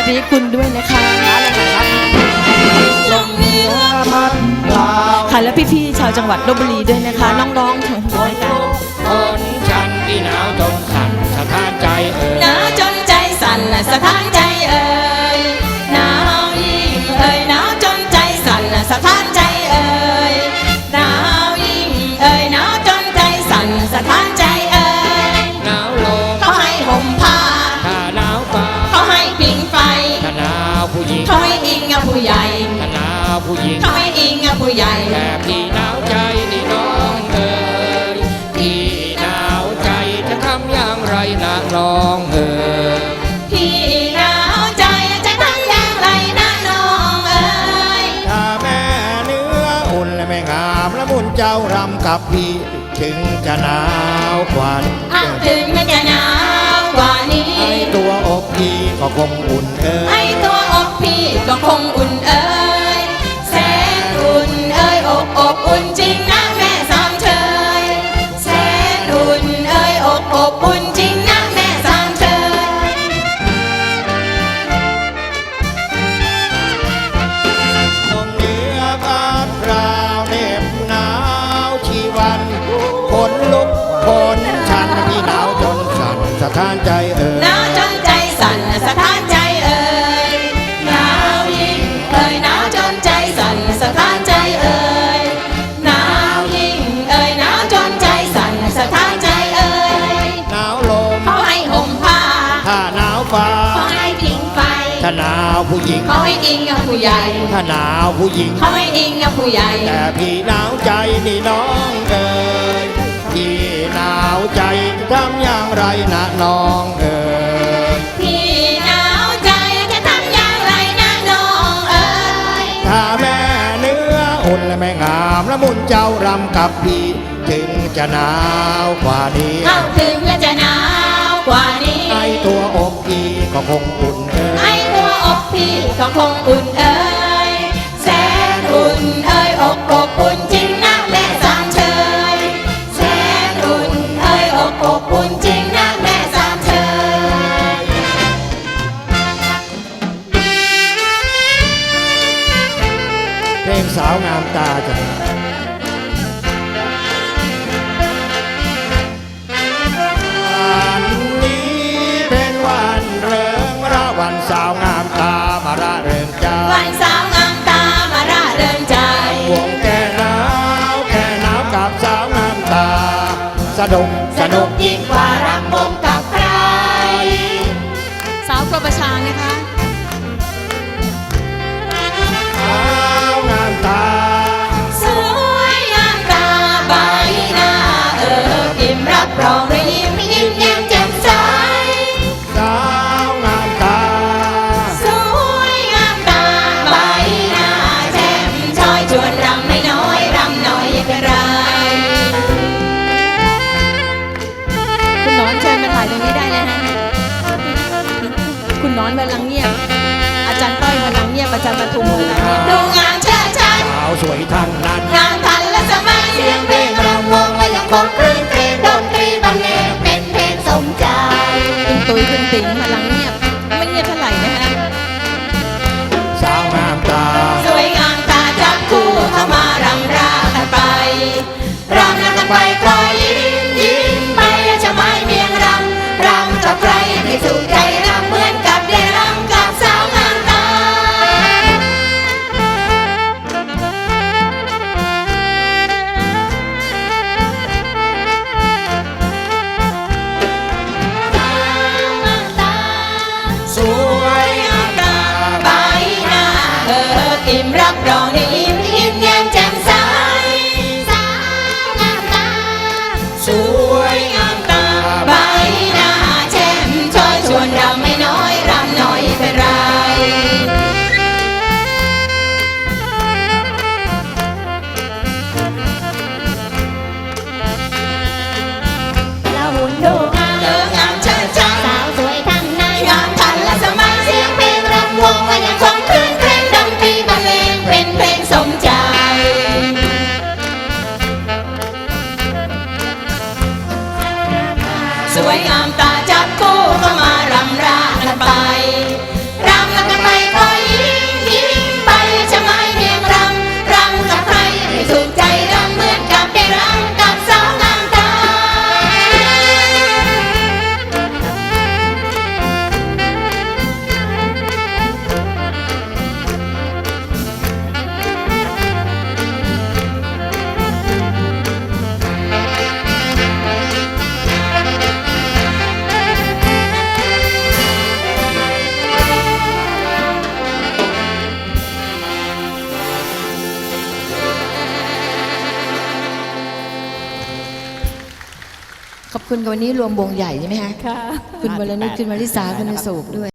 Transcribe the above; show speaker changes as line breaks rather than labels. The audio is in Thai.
ริคุณด้วยนะคะ
ลมเหนือพัดพา
ค่ะและพี่ๆชาวจังหวัดลพบุรีด้วยนะคะน้องๆทั้งรายการ
คนฉันที่หนาวจนสั่นสะท้านใจ
หนาวจนใจสั่นและสะท้านใจหนาวยิ่งหนาวจนใจสั่นและสะท้านใจหนาวยิ่งหนาวจนใจสั่นสะท้านใจ
หนาวลม
เขาให้ห่มผ้า
ถ้าหนาวฟ้า
เขาให้ผิงไฟ
ถ้าหนาวผู้หญิง
เขาให้อิงกับผู้ใหญ่
ถ้าหนาวผู้หญิง
เขาให้อิงกับผู้ใหญ่
แต่พี่หนาวใจนี่น้องพี่หนาวใจจะทำอย่างไรนะน้อง
พี่หนาวใจจะทำอย่างไรนะน้อง
ถ้าแม่เนื้ออุ่นและแม่งามและมุนเจ้ารำกับพี่ถึงจะหนาวกว่า
ถึงจะหนาวกว่านี้
ไอตัวอกพี่ก็คงอุ่น
ไอตัวอกพี่ก็คงอุ่นแสนอุ่นอกอบอุ่นจริงนะแม่สามเชยแสนอุ่นอกอบอุ่นจริงนะแม่สามเชย
ลมเหนือพัดพราวเหน็บหนาวชีวันคนลุกคนฉันพี่หนาวจนสั่นสะท้านใจ
หนาวจนใจสั่นสะท้านใจหนาวยิ่งหนาวจนใจสั่นสะท้านใจหนาวยิ่งหนาวจนใจสั่นสะท้านใจ
หนาวลม
เขาให้ห่มผ้า
ถ้าหนาวฟ้า
เขาให้ผิงไฟ
ถ้าหนาวผู้หญิง
เขาให้อิงกับผู้ใหญ่
ถ้าหนาวผู้หญิง
เขาให้อิงกับผู้ใหญ่
แต่พี่หนาวใจนี่น้องพี่หนาวใจจะทำอย่างไรนะน้อง
พี่หนาวใจจะทำอย่างไรนะน้อง
ถ้าแม่เนื้ออุ่นและแม่งามและมุนเจ้ารำกับพี่ถึงจะหนาวกว่านี้
ถึงจะหนาวกว่านี้
ไอตัวอกพี่ก็คงอุ่น
ไอตัวอกพี่ก็คงอุ่นแสนอุ่นอกอบอุ่นจริงนะแม่สามเชยแสนอุ่นอกอบอุ่นจริงนะแม่สามเชย
เพลงสาวงามตาจ้ะวันนี้เป็นวันเริงระวันสาวงามตามาระเริงใจ
วันสาวงามตามาระเริงใจ
วงแก่หนาวกับสาวงามตาสนุก
ยิ่งกว่ารำวงกับใครสาวกระชางนะคะ
สาวงามตา
สวยงามตาใบหน้าอิ่มรับรองด้วยยิ้มแย้มแจ่มใส
สาวงามตา
สวยงามตาใบหน้าแจ่มช้อยชวนรำไม่น้อยรำน้อยอย่าเป็นไรคุณน้อนเชิญมาถ่ายตรงนี้ได้เลยฮะคุณน้อนกำลังเงียบอาจารย์ต้อยกำลังเงียบอาจารย์ปทุมกำลังเงียบดูงานเชิดชัน
สาวสวยทั้งนั้น
งานทันและสมัยเสียงเพลงรำวงและยังคงคลื่นเพลงดนตรีบรรเลงเป็นเพลงสมใจคุณตุ้ยคุณติ๋งกำลังเงียบไม่เงียบเท่าไหร่นะฮะ
สาวงามตา
สวยงามตาจับคู่เข้ามารำรากันไปรำแล้วกันไปก็ยิ้มไปจะไม่เมียงรำกับใครให้สุขใจรำเหมือนกับได้รำกับสาวงามตา
สวยงามตา
ใบหน้าอิ่มรับรองได้ยิ้มแย้มแจ่มใสสาวงามตา
สวยงามตา
ใบหน้าแจ่มช้อยชวนรำไม่น้อยรำน้อยเป็นไรหุ่นดูงามเชิดชันสาวสวยทั้งนั้นงามทันและสมัยเสียงเพลงรำวงและยังคงคลื่นเพลงดนตรีบรรเลงเป็นเพลงสมใจสวยงามตาจับคู่เข้ามารำรากันไปรำ
คุณกับวันนี้รวมวงใหญ่ใช่ไหมคะ
ค่ะ
คุณวรนุชคุณวริษาคุณอโศกด้วย